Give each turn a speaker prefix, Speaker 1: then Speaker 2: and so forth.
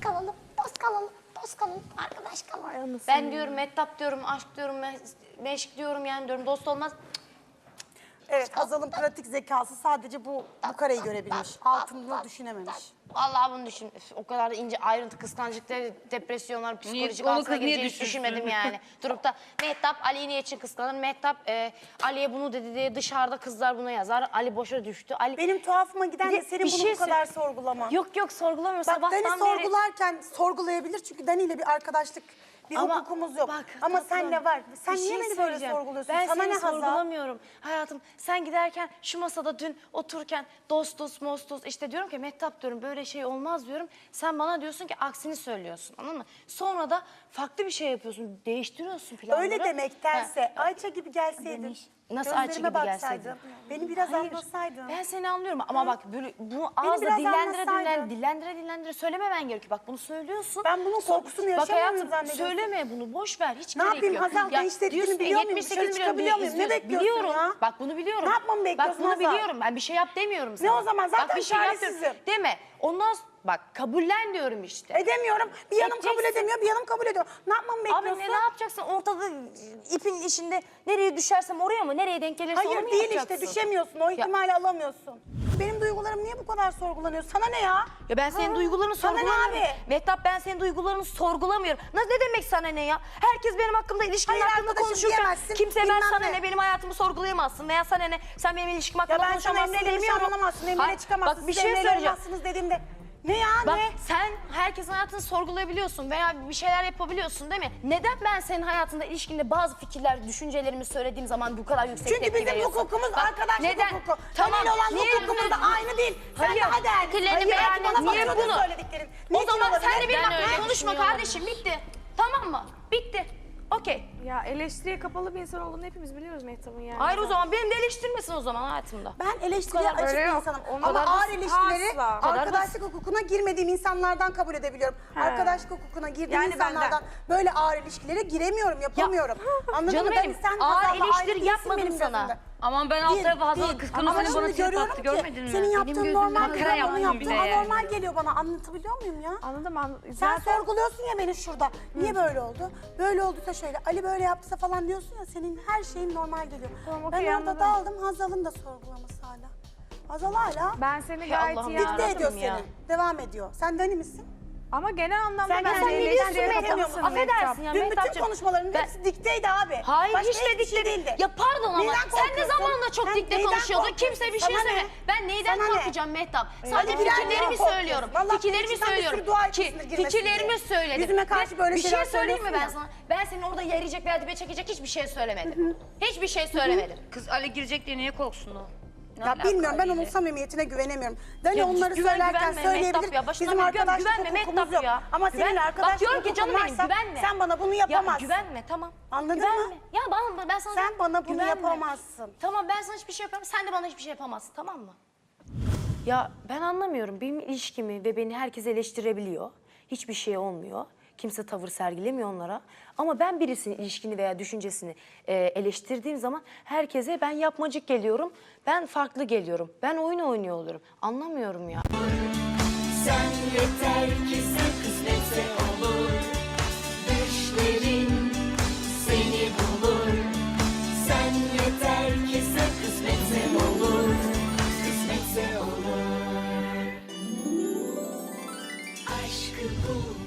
Speaker 1: kalalım, dost kalalım, dost kalalım, arkadaş kalalım.
Speaker 2: Ben diyorum mehtap diyorum, aşk diyorum, meşk diyorum yani diyorum dost olmaz.
Speaker 3: Evet, Hazal'ın pratik zekası sadece bu kareyi görebilmiş. Altını düşünememiş.
Speaker 2: Vallahi bunu düşün. Üf, o kadar da ince ayrıntı, kıskançlıklar, depresyonlar, psikolojik
Speaker 4: onu
Speaker 2: altına
Speaker 4: kız niye
Speaker 2: gireceğini hiç
Speaker 4: düşünsün?
Speaker 2: düşünmedim yani. Durup da Mehtap Ali'yi niye için kıskanır? Mehtap Ali'ye bunu dedi diye dışarıda kızlar buna yazar. Ali boşa düştü. Ali...
Speaker 3: Benim tuhafıma giden
Speaker 2: Bir
Speaker 3: de
Speaker 2: de
Speaker 3: senin
Speaker 2: bir
Speaker 3: bunu
Speaker 2: şey
Speaker 3: bu kadar sorgulaman.
Speaker 2: Yok sorgulamıyorum.
Speaker 3: Bak
Speaker 2: Sabahtan
Speaker 3: Dani
Speaker 2: beri...
Speaker 3: sorgularken sorgulayabilir çünkü Dani ile bir arkadaşlık, bir
Speaker 2: Ama
Speaker 3: hukukumuz yok.
Speaker 2: bak,
Speaker 3: Ama
Speaker 2: tatlım,
Speaker 3: senle var. Sen
Speaker 2: bir
Speaker 3: niye
Speaker 2: şey
Speaker 3: beni böyle
Speaker 2: söyleyeceğim.
Speaker 3: sorguluyorsun?
Speaker 2: Ben
Speaker 3: Sana
Speaker 2: seni
Speaker 3: ne Hazal?
Speaker 2: sorgulamıyorum. Hayatım sen giderken şu masada dün otururken dostuz mostuz işte diyorum ki Mehtap diyorum böyle şey olmaz diyorum. Sen bana diyorsun ki aksini söylüyorsun anladın mı? Sonra da farklı bir şey yapıyorsun. Değiştiriyorsun planları.
Speaker 3: Öyle demektense
Speaker 2: Ha.
Speaker 3: Ayça gibi gelseydin.
Speaker 2: Nasıl Ayça
Speaker 3: gözlerime
Speaker 2: gibi
Speaker 3: baksaydın,
Speaker 2: gelseydin?
Speaker 3: beni biraz
Speaker 2: Hayır,
Speaker 3: anlasaydın.
Speaker 2: ben seni anlıyorum ama bak böyle bu ağızla
Speaker 3: biraz
Speaker 2: dillendire
Speaker 3: anlatsaydın.
Speaker 2: dillendire söylememen gerekiyor. Bak bunu söylüyorsun.
Speaker 3: Ben bunun korkusunu
Speaker 2: Bak
Speaker 3: yaşamıyorum
Speaker 2: hayatım
Speaker 3: zannediyorsun.
Speaker 2: söyleme bunu boş ver hiç
Speaker 3: Ne
Speaker 2: gerek
Speaker 3: yapayım
Speaker 2: yok.
Speaker 3: Hazal, değiştirdiğini
Speaker 2: diyorsun,
Speaker 3: biliyor muyum?
Speaker 2: 78
Speaker 3: Dışarı
Speaker 2: milyon
Speaker 3: çıkabiliyor
Speaker 2: diye
Speaker 3: muyum? Ne
Speaker 2: izliyorsun.
Speaker 3: bekliyorsun
Speaker 2: Biliyorum.
Speaker 3: ya?
Speaker 2: Bak bunu biliyorum.
Speaker 3: Ne yapmamı bekliyorsun
Speaker 2: Bak bunu
Speaker 3: Hazal?
Speaker 2: biliyorum. Ben bir şey yap demiyorum sana.
Speaker 3: o zaman? Zaten
Speaker 2: bak, bir şey yap
Speaker 3: çaresizim.
Speaker 2: diyorum. Deme. Ondan bak kabullen diyorum işte.
Speaker 3: Edemiyorum. Bir yanım kabul
Speaker 2: Edeceksin.
Speaker 3: edemiyor, bir yanım kabul ediyor. Ne yapmamı bekliyorsun?
Speaker 2: Abi ne yapacaksın? Ortada ipin içinde nereye düşersem oraya mı? Nereye denk gelirse onu
Speaker 3: Hayır
Speaker 2: mu
Speaker 3: değil
Speaker 2: yapacaksın?
Speaker 3: işte, düşemiyorsun. O ihtimali alamıyorsun. Benim duygularım niye bu kadar sorgulanıyor? Sana ne ya?
Speaker 2: Ya ben senin duygularını
Speaker 3: Sana ne
Speaker 2: sorgulamıyorum.
Speaker 3: abi?
Speaker 2: Mehtap ben senin duygularını sorgulamıyorum. Ne demek sana ne ya? Herkes benim hakkımda ilişkimin
Speaker 3: Hayır,
Speaker 2: hakkında
Speaker 3: arkadaşım
Speaker 2: konuşurken
Speaker 3: diyemezsin,
Speaker 2: kimse ben
Speaker 3: bilmem
Speaker 2: sana
Speaker 3: ne.
Speaker 2: ne benim hayatımı sorgulayamazsın veya sana ne sen benim ilişkim
Speaker 3: Ya
Speaker 2: hakkında
Speaker 3: ben sana
Speaker 2: konuşamazsın
Speaker 3: Emre'yle
Speaker 2: demiyorum.
Speaker 3: nişanlanamazsın, Emre'yle
Speaker 2: Hayır,
Speaker 3: çıkamazsın.
Speaker 2: Bak bir
Speaker 3: siz
Speaker 2: şey
Speaker 3: Emre'yle
Speaker 2: söyleyeceğim.
Speaker 3: olmazsınız dediğimde. Ne ya
Speaker 2: Bak
Speaker 3: ne?
Speaker 2: sen herkesin hayatını sorgulayabiliyorsun veya bir şeyler yapabiliyorsun değil mi? Neden ben senin hayatında ilişkinde bazı fikirler, düşüncelerimi söylediğim zaman bu kadar yüksek
Speaker 3: Çünkü
Speaker 2: tepki
Speaker 3: bizim
Speaker 2: veriyorsun?
Speaker 3: hukukumuz
Speaker 2: Bak,
Speaker 3: arkadaşlık
Speaker 2: neden?
Speaker 3: hukuku.
Speaker 2: Tamam.
Speaker 3: Seninle olan
Speaker 2: Niye
Speaker 3: hukukumuz da aynı değil. Sen
Speaker 2: Hayır,
Speaker 3: daha değerlisin.
Speaker 2: fikirlerini
Speaker 3: Hayır,
Speaker 2: beğendin.
Speaker 3: bana
Speaker 2: Niye
Speaker 3: bakıyorsun
Speaker 2: bunu?
Speaker 3: söylediklerin.
Speaker 2: O
Speaker 3: Niçin
Speaker 2: zaman
Speaker 3: olabilir?
Speaker 2: sen de benim
Speaker 3: Ben
Speaker 2: hakkımda
Speaker 3: öyle
Speaker 2: konuşma
Speaker 3: düşünüyorum.
Speaker 2: kardeşim bitti. Tamam mı? Bitti. Okey.
Speaker 5: Ya eleştiriye kapalı bir insan olduğunu hepimiz biliyoruz Mehtap'ın yani.
Speaker 2: Hayır o zaman benim de eleştirmesin o zaman hayatımda.
Speaker 3: Ben eleştiriye
Speaker 2: Bu kadar
Speaker 3: açık
Speaker 5: öyle
Speaker 3: bir
Speaker 5: yok.
Speaker 3: insanım.
Speaker 5: Ona
Speaker 3: Ama
Speaker 5: kadar
Speaker 3: ağır
Speaker 5: basit.
Speaker 3: ilişkileri
Speaker 5: Asla.
Speaker 3: arkadaşlık hukukuna girmediğim insanlardan kabul edebiliyorum. Arkadaşlık hukukuna girdiğim
Speaker 5: Yani
Speaker 3: insanlardan
Speaker 5: benden.
Speaker 3: böyle ağır ilişkilere giremiyorum, yapamıyorum. Anladın
Speaker 2: Canım
Speaker 3: mı?
Speaker 2: benim,
Speaker 3: Sen
Speaker 2: ağır
Speaker 3: Hazal'la aynı
Speaker 2: eleştiri
Speaker 3: değilsin
Speaker 2: yapmadım
Speaker 3: benim
Speaker 2: sana.
Speaker 3: gözümde.
Speaker 4: Aman ben alt
Speaker 3: Değil,
Speaker 4: tarafı Hazal'ı
Speaker 3: değil.
Speaker 4: kıskanıp
Speaker 3: Ama
Speaker 4: seni bana
Speaker 3: şimdi
Speaker 4: trip
Speaker 3: görüyorum
Speaker 4: attı
Speaker 3: ki
Speaker 4: görmedin mi?
Speaker 3: senin yaptığın
Speaker 4: gözümden
Speaker 3: normal
Speaker 4: makara
Speaker 3: değil, onun
Speaker 4: yaptın
Speaker 3: yaptığı
Speaker 4: bile yani.
Speaker 3: anormal geliyor bana. Anlatabiliyor muyum ya?
Speaker 5: Anladım.
Speaker 3: Sen sorguluyorsun ya beni şurada. Niye böyle oldu? Böyle olduysa şöyle. Ali böyle yaptıysa falan diyorsun ya, senin her şeyin normal geliyor.
Speaker 5: Tamam,
Speaker 3: Ben
Speaker 5: okey,
Speaker 3: orada
Speaker 5: anladım.
Speaker 3: daldım, Hazal'ın da sorgulaması hala. Hazal hala
Speaker 5: Ben seni gayet
Speaker 2: Allah'ım
Speaker 5: iyi
Speaker 2: ya.
Speaker 3: dikte
Speaker 5: anladım.
Speaker 3: ediyor
Speaker 2: ya.
Speaker 3: seni. Devam ediyor. Sen Dani misin?
Speaker 5: Ama genel anlamda
Speaker 3: Sen
Speaker 5: bence
Speaker 3: kendini
Speaker 5: eleştiriye
Speaker 3: biliyorsun
Speaker 5: kapalısın
Speaker 3: Mehtap.
Speaker 5: Mehtap.
Speaker 2: Affedersin ya
Speaker 3: Dün bütün
Speaker 2: Mehtapcığım.
Speaker 3: konuşmaların
Speaker 2: Ben-
Speaker 3: hepsi dikteydi abi.
Speaker 2: Hayır
Speaker 3: Başka
Speaker 2: hiç de
Speaker 3: hiçbir şey
Speaker 2: dikte
Speaker 3: değildi.
Speaker 2: Ya pardon ama
Speaker 3: Neyden
Speaker 2: sen ne
Speaker 3: korkuyorsun?
Speaker 2: zamanla çok
Speaker 3: Sen
Speaker 2: dikte
Speaker 3: neyden
Speaker 2: konuşuyordun.
Speaker 3: korkuyorsun?
Speaker 2: Kimse bir şey
Speaker 3: Sana ne?
Speaker 2: söyleme. Ben neyden
Speaker 3: Sana ne?
Speaker 2: korkacağım Mehtap? Sadece
Speaker 3: Hadi
Speaker 2: fikirlerimi
Speaker 3: korkuyorsun.
Speaker 2: söylüyorum.
Speaker 3: Vallahi
Speaker 2: Fikirlerimi
Speaker 3: içinden bir sürü
Speaker 2: söylüyorum.
Speaker 3: dua
Speaker 2: Ki
Speaker 3: etmişsindir girmesin
Speaker 2: fikirlerimi
Speaker 3: diye.
Speaker 2: söyledim.
Speaker 3: Yüzüme karşı
Speaker 2: Ve
Speaker 3: böyle
Speaker 2: bir şey
Speaker 3: şeyler
Speaker 2: söyleyeyim mi ben
Speaker 3: söylüyorsun
Speaker 2: sana? Ben senin orada yarayacak veya dibe çekecek hiçbir şey söylemedim. Hiçbir şey söylemedim.
Speaker 4: Kız Ali girecek diye niye korksun o? Ne
Speaker 3: Ya
Speaker 4: alaka
Speaker 3: bilmiyorum, ben
Speaker 4: Ali
Speaker 3: onun
Speaker 4: ile?
Speaker 3: samimiyetine güvenemiyorum. Dani
Speaker 2: Ya
Speaker 3: onları
Speaker 2: güven,
Speaker 3: söylerken
Speaker 2: güvenme
Speaker 3: söyleyebilir.
Speaker 2: Mehtap ya. Başından
Speaker 3: Bizim
Speaker 2: beri
Speaker 3: arkadaşlık
Speaker 2: güvenme
Speaker 3: hukukumuz
Speaker 2: Mehtap
Speaker 3: yok.
Speaker 2: ya.
Speaker 3: Ama senin
Speaker 2: Bak
Speaker 3: arkadaşlık
Speaker 2: diyorum ki
Speaker 3: hukukun
Speaker 2: canım benim
Speaker 3: varsa
Speaker 2: güvenme.
Speaker 3: sen bana bunu
Speaker 2: Ya
Speaker 3: yapamazsın.
Speaker 2: güvenme tamam.
Speaker 3: Anladın
Speaker 2: güvenme.
Speaker 3: mı?
Speaker 2: Ya ben sana...
Speaker 3: Sen bana bunu
Speaker 2: Güvenme.
Speaker 3: yapamazsın.
Speaker 2: Tamam ben sana hiçbir şey yapamam. Sen de bana hiçbir şey yapamazsın tamam mı? Ya ben anlamıyorum. Benim ilişkimi ve beni herkes eleştirebiliyor. Hiçbir şey olmuyor. Kimse tavır sergilemiyor onlara. Ama ben birisinin ilişkini veya düşüncesini eleştirdiğim zaman herkese ben yapmacık geliyorum. Ben farklı geliyorum. Ben oyun oynuyor olurum. Anlamıyorum ya.
Speaker 6: Sen yeter ki sen kısmetse olur. Düşlerin seni bulur. Sen yeter ki sen kısmetse olur. Kısmetse olur. Aşkı bul.